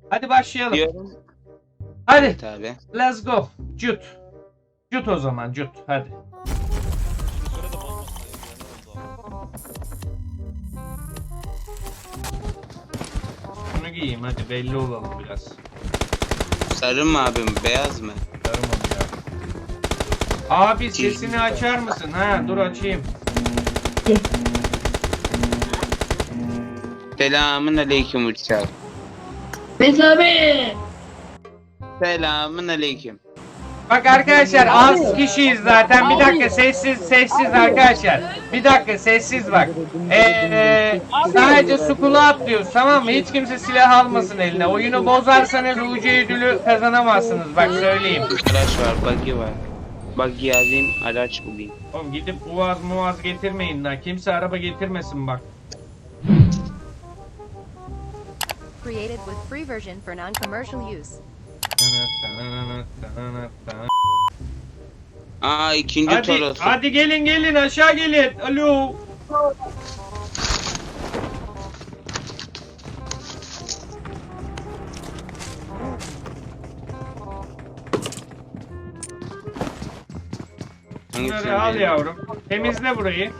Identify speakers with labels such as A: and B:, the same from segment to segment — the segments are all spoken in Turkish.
A: Hadi başlayalım.
B: Diyorum.
A: Hadi.
B: Evet abi.
A: Let's go. Cut. Cut o zaman cut. Hadi. Şunu giyeyim hadi belli olalım biraz.
B: Sarı mı abim? Beyaz mı?
A: Tamam ya. Abi sesini açar mısın? Ha dur açayım.
B: Selamun aleyküm uçak.
C: Mesabe.
B: Selamun aleyküm.
A: Bak arkadaşlar az kişiyiz zaten. Bir dakika sessiz arkadaşlar. Bir dakika sessiz bak. Sadece sukulu atlıyoruz tamam mı? Hiç kimse silah almasın eline. Oyunu bozarsanız UC ödülü kazanamazsınız. Bak söyleyeyim.
B: Araç var, buggy var. Buggy alayım, araç bulayım.
A: Oğlum gidip uvaz getirmeyin lan. Kimse araba getirmesin bak.
D: Created with free version for non-commercial use.
B: Aa ikinci Toros.
A: Hadi gelin aşağı gelin. Alo. Bunları al yavrum. Temizle burayı.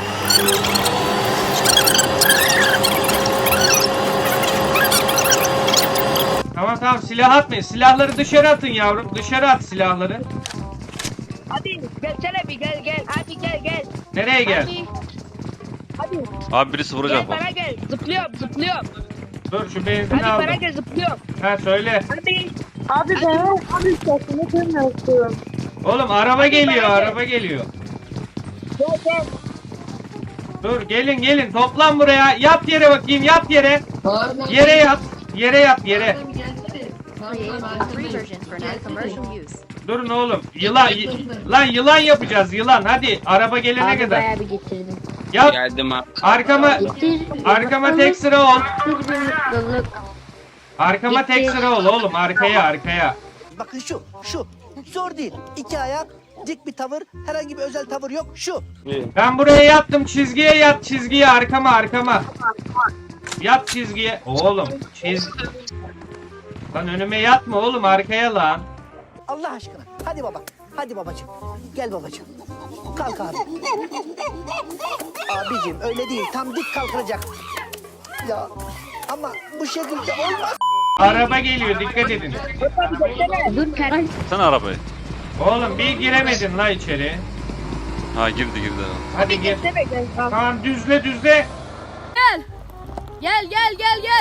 A: Tamam silah atmayın. Silahları dışarı atın yavrum. Dışarı at silahları.
C: Hadi gelsene bir gel. Hadi gel.
A: Nereye gel?
C: Hadi.
E: Abi birisi vuracak
C: Gel
E: bak.
C: bana gel. Zıplıyorum.
A: Dur şu benzini
C: Hadi bana
A: aldım.
C: gel zıplıyorum.
A: Ha söyle.
C: Hadi.
F: Abi ben abi sesini duymak istiyorum.
A: Oğlum araba geliyor, araba geliyor.
C: Gel.
A: Dur gelin toplan buraya. Yat yere bakayım, yat yere. Yere yat. Yere yat yere.
D: Created with free version for non-commercial use.
A: Durun oğlum. Lan yılan yapacağız yılan. Hadi araba gelene
F: Abi
A: kadar.
F: bayağı bir getirdim.
A: Yat.
B: Geldim abi.
A: Arkama tek sıra ol.
F: Bir mutluluk.
A: Arkama tek sıra ol oğlum. Arkaya.
G: Bakın şu. Zor değil. İki ayak, dik bir tavır, herhangi bir özel tavır yok. Şu.
A: Ben buraya yattım. Çizgiye yat. Çizgiye arkama. Yat çizgiye. Oğlum Lan önüme yatma oğlum arkaya lan.
G: Allah aşkına. Hadi baba. Hadi babacığım. Gel babacığım. Kalk abi. Abicim öyle değil. Tam dik kalkılacak. Ya ama bu şekilde olmaz.
A: Araba geliyor dikkat edin.
F: Dur karar.
E: Sen arabayı.
A: Oğlum bir giremedin la içeri.
E: Ha girdi.
A: Hadi gir. Tamam düzle.
H: Gel.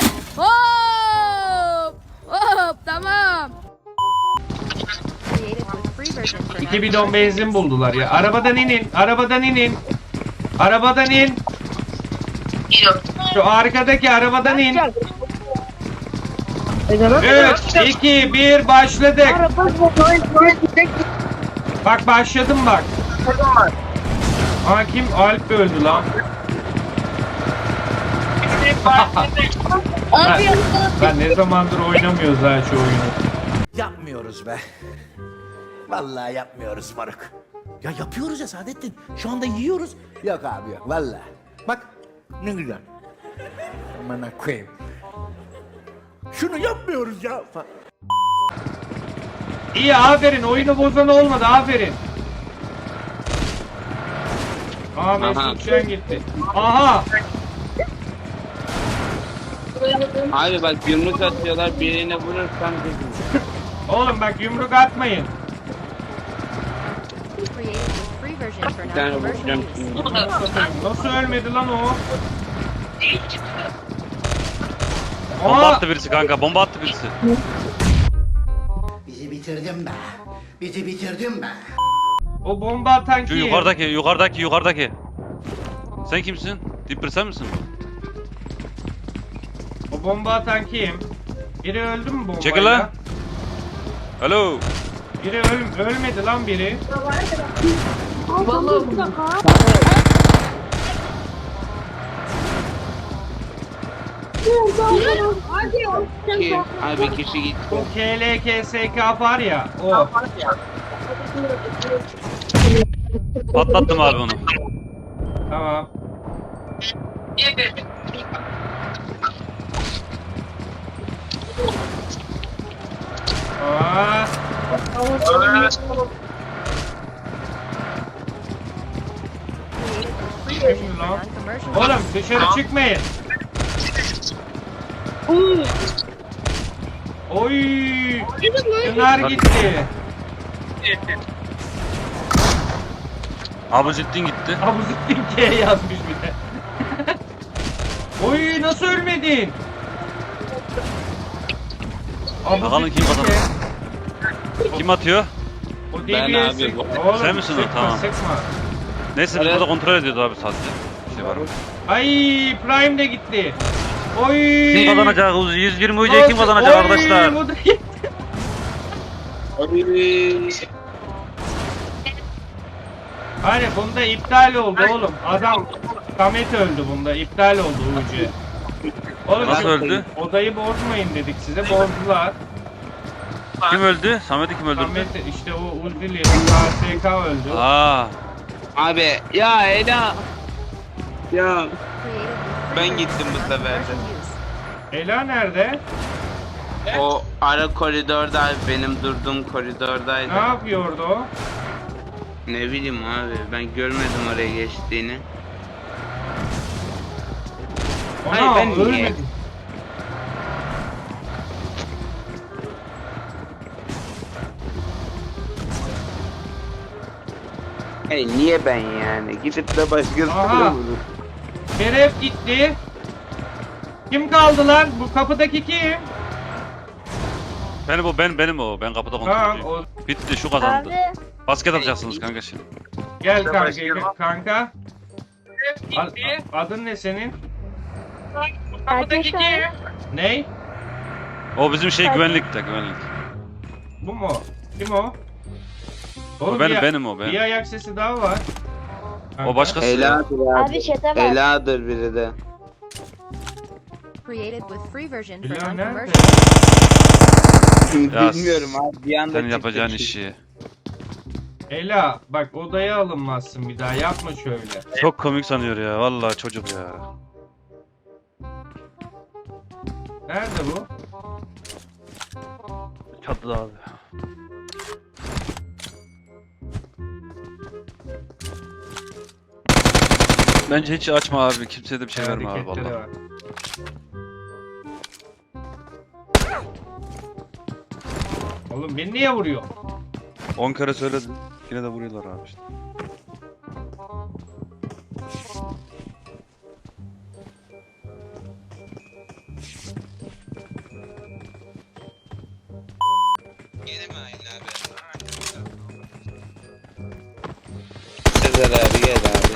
H: Hop, tamam.
D: Created with free version for
A: 2 bidon benzin buldular ya. Arabadan inin. Arabadan in. Şu arkadaki arabadan in. 3, 2, 1 başladık. Bak başladım bak. Aa kim? Alp öldü lan. Ben ne zamandır oynamıyoruz ha şu oyunu.
G: Yapmıyoruz be. Vallahi yapmıyoruz Faruk. Ya yapıyoruz ya Saadettin. Şu anda yiyoruz. Yok abi yok vallahi. Bak ne güzel. Amına koyayım. Şunu yapmıyoruz ya.
A: İyi aferin oyunu bozan olmadı aferin. Aa Mesut Şen gitti. Aha.
B: Abi bak yumruk atıyorlar, birine vurursam kızım.
A: Oğlum bak yumruk atmayın.
D: created with free version for
B: Bir tane
D: non-commercial
B: vuracağım
D: use.
B: şimdi.
A: Nasıl ölmedi lan o?
E: Bomba
A: Aa,
E: attı birisi kanka. Bomba attı birisi.
G: Bizi bitirdin be. Bizi bitirdin be.
A: o bomba atan
E: Şu
A: kim?
E: yukarıdaki. Sen kimsin? Dipper sen misin?
A: O bomba atan kim? Biri öldü mü bombayla?
E: Çekil lan. Alo.
A: Biri ölmedi lan biri.
B: Kim? Abi kişi gitti.
A: O KLKSK var ya o.
E: Patlattım abi onu.
A: Tamam. Aa.
D: Created with free version for
A: Lan.
D: non-commercial
A: Oğlum
D: use.
A: dışarı çıkmayın. Oy. Şunlar gitti.
E: Abuzettin gitti.
A: Abuzettin K yazmış bir de. Oy nasıl ölmedin?
E: Bakalım kim kazanır. Kim atıyor?
A: O
B: Ben
A: DBS.
B: abi, bu-
A: Oğlum,
E: Sen misin o?
A: sıkma,
E: Tamam.
A: Sıkma.
E: Neyse biz
B: Evet.
E: burada kontrol ediyoruz abi sadece. Bir şey var mı?
A: Ay Prime de gitti. Oy.
E: Kim kazanacak? 120 UC'yi kim kazanacak
A: Oy,
E: arkadaşlar?
A: bu da gitti. Hani bunda iptal oldu oğlum. Adam Samet öldü bunda. İptal oldu UC. Oğlum
E: Nasıl
A: şu
E: öldü?
A: Odayı bozmayın dedik size. Bozdular.
E: Kim öldü? Samet'i kim öldürdü?
A: Samet işte o Uzili KSK öldü.
E: Aa,
B: Abi ya Ela. Ya
D: Created with free
B: Ben
D: version
B: gittim
D: for
B: bu sefer de.
D: non-commercial use.
A: Ela nerede?
B: o ara koridorda benim durduğum koridordaydı.
A: Ne yapıyordu o?
B: Ne bileyim abi ben görmedim oraya geçtiğini.
A: Ona
B: Hayır, ben niye?
A: ölmedi.
B: Hey niye ben yani? Gidip de başkasına
A: Aha.
B: vurur.
A: Şeref gitti. Kim kaldı lan? Bu kapıdaki kim?
E: benim o. Ben kapıda
A: Tamam
E: kontrol
A: o
E: Bitti şu kazandı.
F: Abi.
E: Basket atacaksınız kanka şimdi.
A: gel kanka kanka. Adın ne senin?
F: Ateş abi.
A: Ney?
E: O bizim şey güvenlikte güvenlik.
A: Bu mu? Kim o?
E: O benim
A: bir,
E: benim o ben.
A: bir ayak sesi daha var. Kanka.
E: O başkası.
B: Ela'dır abi.
F: Abi çete bak.
B: Ela'dır biri de.
D: Created with free version for
A: Ela nerede?
D: non-commercial.
E: Ya,
B: Bilmiyorum abi bir anda
E: Senin
B: çıktı
E: yapacağın
B: çünkü.
E: işi.
A: Ela bak odaya alınmazsın bir daha yapma şöyle.
E: Çok komik sanıyor ya. Vallahi çocuk ya.
A: Nerede bu?
E: Çatıda abi. Bence hiç açma abi. Kimseye de bir şey verme abi
A: Hareketleri
E: vallahi.
A: var. Oğlum beni niye vuruyor?
E: 10 kere söyledim. Yine de vuruyorlar abi işte.
B: Yeni mi aynı abi? Sezer abi gel abi.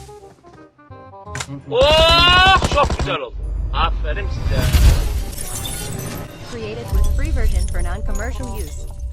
I: Oh çok güzel oldu. Aferin size.
D: Created with free version for non-commercial use.